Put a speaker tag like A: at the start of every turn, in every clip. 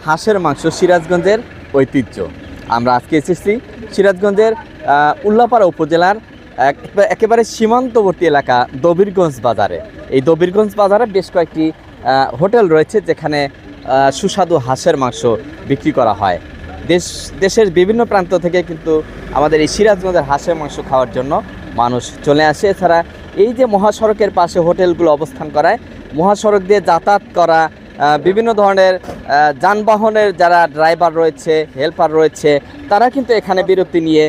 A: হাঁসের মাংস সিরাজগঞ্জের ঐতিহ্য। আমরা আজকে এসেছি সিরাজগঞ্জের উল্লাপাড়া উপজেলার একেবারে সীমান্তবর্তী এলাকা দবিরগঞ্জ বাজারে। এই দবিরগঞ্জ বাজারে বেশ কয়েকটি হোটেল রয়েছে যেখানে সুস্বাদু হাঁসের মাংস বিক্রি করা হয়। দেশের বিভিন্ন প্রান্ত থেকে কিন্তু আমাদের এই সিরাজগঞ্জের হাঁসের মাংস খাওয়ার জন্য মানুষ চলে আসে। এছাড়া এই যে মহাসড়কের পাশে হোটেলগুলো অবস্থান করায়, মহাসড়ক দিয়ে যাতায়াত করা বিভিন্ন ধরনের যানবাহনের যারা ড্রাইভার রয়েছে, হেল্পার রয়েছে, তারা কিন্তু এখানে বিরতি নিয়ে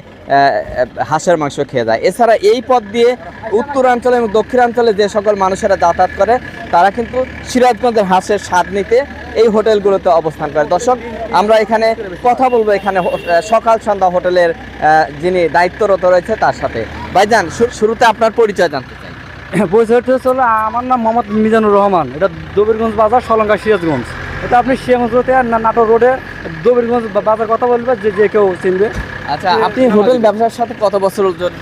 A: হাঁসের মাংস খেয়ে যায়। এছাড়া এই পথ দিয়ে উত্তরাঞ্চলে এবং দক্ষিণাঞ্চলে যে সকল মানুষেরা যাতায়াত করে তারা কিন্তু সিরাজগঞ্জের হাঁসের স্বাদ নিতে এই হোটেলগুলোতে অবস্থান করে। দর্শক, আমরা এখানে কথা বলবো এখানে সকাল সন্ধ্যা হোটেলের যিনি দায়িত্বরত রয়েছে তার সাথে। ভাইজান, শুরুতে আপনার পরিচয় জানতে চাই।
B: পরিচয়টা হলো, আমার নাম মোহাম্মদ মিজানুর রহমান। এটা দবিরগঞ্জ বাজার, সলঙ্গা সিরাজগঞ্জ। এটা আপনি শ্যামগঞ্জতে নাটোর রোডে দবিরগঞ্জ বাজার কথা বলবে, যে কেউ চিনবে।
A: আচ্ছা, আপনি হোটেল ব্যবসার সাথে কত বছর জড়িত?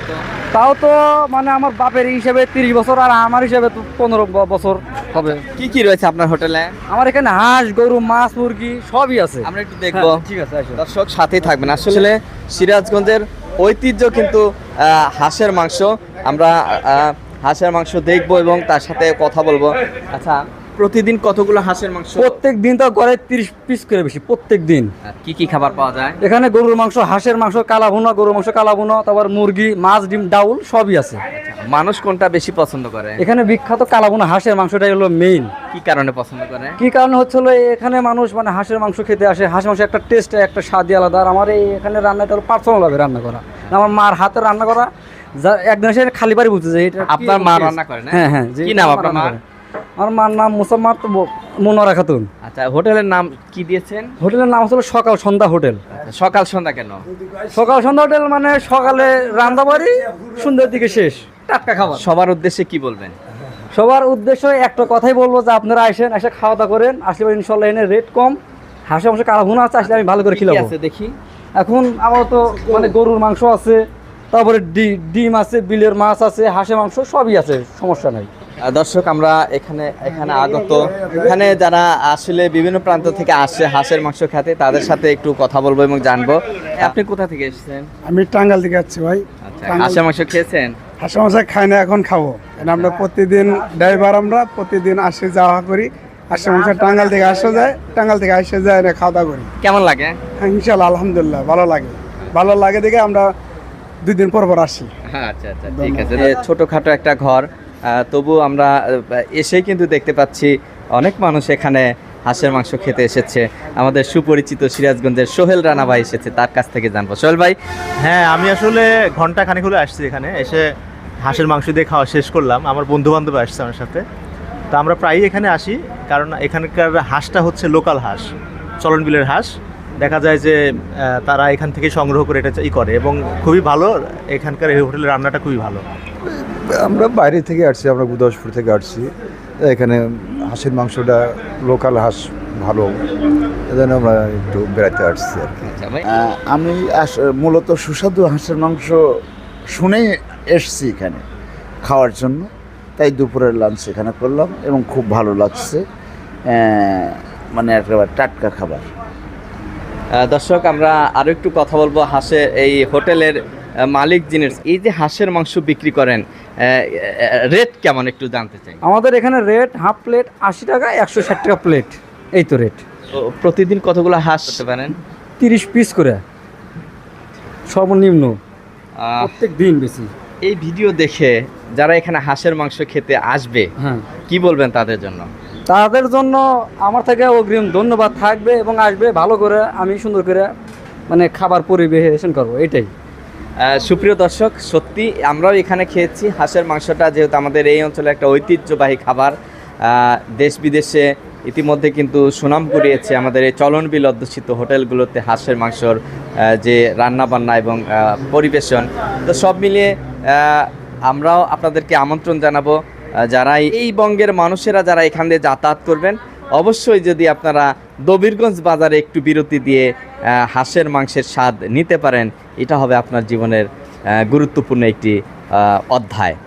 B: তাও তো মানে আমার বাপের হিসাবে 30 বছর, আর আমার হিসাবে তো 15 বছর হবে।
A: কি কি রয়েছে আপনার হোটেলে?
B: আমার এখানে হাঁস, গরু, মাছ, মুরগি সবই আছে।
A: আমরা একটু দেখবো।
B: ঠিক আছে,
A: দর্শক সাথেই থাকবেন। আসলে সিরাজগঞ্জের ঐতিহ্য কিন্তু হাঁসের মাংস। আমরা হাঁসের মাংস দেখবো এবং তার সাথে কথা বলবো। আচ্ছা, প্রতিদিন কতগুলো হাঁসের মাংস?
B: প্রত্যেক দিন তো করে 30 পিস করে বেশি প্রত্যেক দিন।
A: কি কি খাবার পাওয়া যায়
B: এখানে? গরুর মাংস, হাঁসের মাংস, কালা ভুনা, গরুর মাংস কালা ভুনা, তারপর মুরগি, মাছ, ডিম, ডাউল সবই আছে।
A: মানুষ কোনটা বেশি পছন্দ করে?
B: এখানে বিখ্যাত কালা ভুনা হাঁসের মাংসটাই হলো মেইন।
A: কি কারণে পছন্দ করে?
B: কি কারণে হচ্ছে হলো, এখানে মানুষ মানে হাঁসের মাংস খেতে আসে। হাঁস মাংস একটা টেস্ট, একটা স্বাদই আলাদা। আর আমার এই এখানে রান্নাটা হলো পার্সোনালভাবে রান্না করা, আমার মার হাতে রান্না করা। একদিন এসে খালি বাড়ি বলতে যে এটা
A: আপনার মা রান্না করে না?
B: হ্যাঁ হ্যাঁ।
A: কি নাম আপনার মার?
B: আমার মার নাম মুসাম্মাদ মনোয়ারা খাতুন।
A: আচ্ছা, হোটেলের নাম কি দিয়েছেন?
B: হোটেলের নাম হলো সকাল সন্ধ্যা হোটেল।
A: সকাল সন্ধ্যা কেন?
B: সকাল সন্ধ্যা হোটেল মানে সকালে রান্না বাড়ি, সন্ধ্যার দিকে শেষ টাটকা খাবার।
A: সবার উদ্দেশ্যে কি বলবেন?
B: সবার উদ্দেশ্যে একটা কথাই বলবো যে আপনারা আসেন, এসে খাওয়া দাওয়া করেন। আসলে ইনশাল্লাহ এনে রেট কম, হাঁসের মাংস কালা ভুনা আছে, আসলে আমি ভালো করে খিলাবো।
A: দেখি
B: এখন আমার তো মানে গরুর মাংস আছে, তারপরে ডিম আছে, বিলের মাছ আছে, হাঁসের মাংস সবই আছে, সমস্যা নাই।
A: দর্শক, আমরা এখানে আগত, এখানে যারা আসলে বিভিন্ন প্রান্ত থেকে আসছে হাঁসের মাংস খেতে, তাদের সাথে একটু কথা বলবো এবং জানবো। আপনি কোথা থেকে এসেছেন?
C: আমি টাঙ্গাইল থেকে আসছি ভাই।
A: আচ্ছা, হাঁসের মাংস খেয়েছেন?
C: হাঁসের মাংস খাই না, এখন খাবো। আমরা প্রতিদিন ড্রাইভার, আমরা প্রতিদিন আসে যাওয়া করি। হাঁসের মাংস টাঙ্গাইল থেকে আসা যায়, টাঙ্গাইল থেকে আসে যায় না, খাওয়া দাওয়া করি।
A: কেমন লাগে?
C: হ্যাঁ, ইনশাল্লাহ আলহামদুলিল্লাহ ভালো লাগে দেখে আমরা 2 দিন পর আসি।
A: আচ্ছা আচ্ছা, ঠিক আছে। ছোটখাটো একটা ঘর, তবু আমরা এসেই কিন্তু দেখতে পাচ্ছি অনেক মানুষ এখানে হাঁসের মাংস খেতে এসেছে। আমাদের সুপরিচিত সিরাজগঞ্জের সোহেল রানা ভাই এসেছে, তার কাছ থেকে জানবো। সোহেল ভাই।
D: হ্যাঁ, আমি আসলে ঘন্টা খানেক হলে আসছি এখানে। এসে হাঁসের মাংস দিয়ে খাওয়া শেষ করলাম। আমার বন্ধু বান্ধব আসছে আমার সাথে, তো আমরা প্রায়ই এখানে আসি, কারণ এখানকার হাঁসটা হচ্ছে লোকাল হাঁস, চলন বিলের হাঁস। দেখা যায় যে তারা এখান থেকে সংগ্রহ করে এটা করে, এবং খুবই ভালো। এখানকার এই হোটেলের রান্নাটা খুবই ভালো।
E: আমরা বাইরে থেকে আসছি, আমরা গুদাসপুর থেকে আসছি। এখানে হাঁসের মাংসটা লোকাল হাঁস ভালো, এজন্য আমরা একটু বেড়াতে আসছি আর কি।
F: আমি মূলত সুস্বাদু হাঁসের মাংস শুনেই এসছি এখানে খাওয়ার জন্য, তাই দুপুরের লাঞ্চ এখানে করলাম এবং খুব ভালো লাগছে। মানে একেবারে টাটকা খাবার।
A: দর্শক, আমরা আরও একটু কথা বলবো এই হোটেলের মালিক যিনি, এই যে হাঁসের মাংস বিক্রি করেন, রেট কেমন একটু জানতে চাই।
B: আমাদের এখানে রেট হাফ প্লেট 80 টাকা, 160 টাকা প্লেট, এই তো রেট।
A: প্রতিদিন কতগুলো হাঁস করতে পারেন?
B: 30 পিস করে সর্বনিম্ন, প্রত্যেক দিন বেশি।
A: এই ভিডিও দেখে যারা এখানে হাঁসের মাংস খেতে আসবে,
B: হ্যাঁ,
A: কি বলবেন তাদের জন্য?
B: তাদের জন্য আমার থেকে অগ্রিম ধন্যবাদ থাকবে, এবং আসবে ভালো করে, আমি সুন্দর করে মানে খাবার পরিবেশন করবো, এটাই।
A: সুপ্রিয় দর্শক, সত্যি আমরাও এখানে খেয়েছি হাঁসের মাংসটা, যেহেতু আমাদের এই অঞ্চলে একটা ঐতিহ্যবাহী খাবার। দেশ বিদেশে ইতিমধ্যে কিন্তু সুনাম কুড়িয়েছে আমাদের এই চলনবিল অধ্যুষিত হোটেলগুলোতে হাঁসের মাংসর যে রান্নাবান্না এবং পরিবেশন। তো সব মিলিয়ে আমরাও আপনাদেরকে আমন্ত্রণ জানাবো, যারা এই বঙ্গের মানুষেরা যারা এখান দিয়ে যাতায়াত করবেন, অবশ্যই যদি আপনারা দবিরগঞ্জ বাজারে একটু বিরতি দিয়ে হাঁসের মাংসের স্বাদ নিতে পারেন, এটা হবে আপনার জীবনের গুরুত্বপূর্ণ একটি অধ্যায়।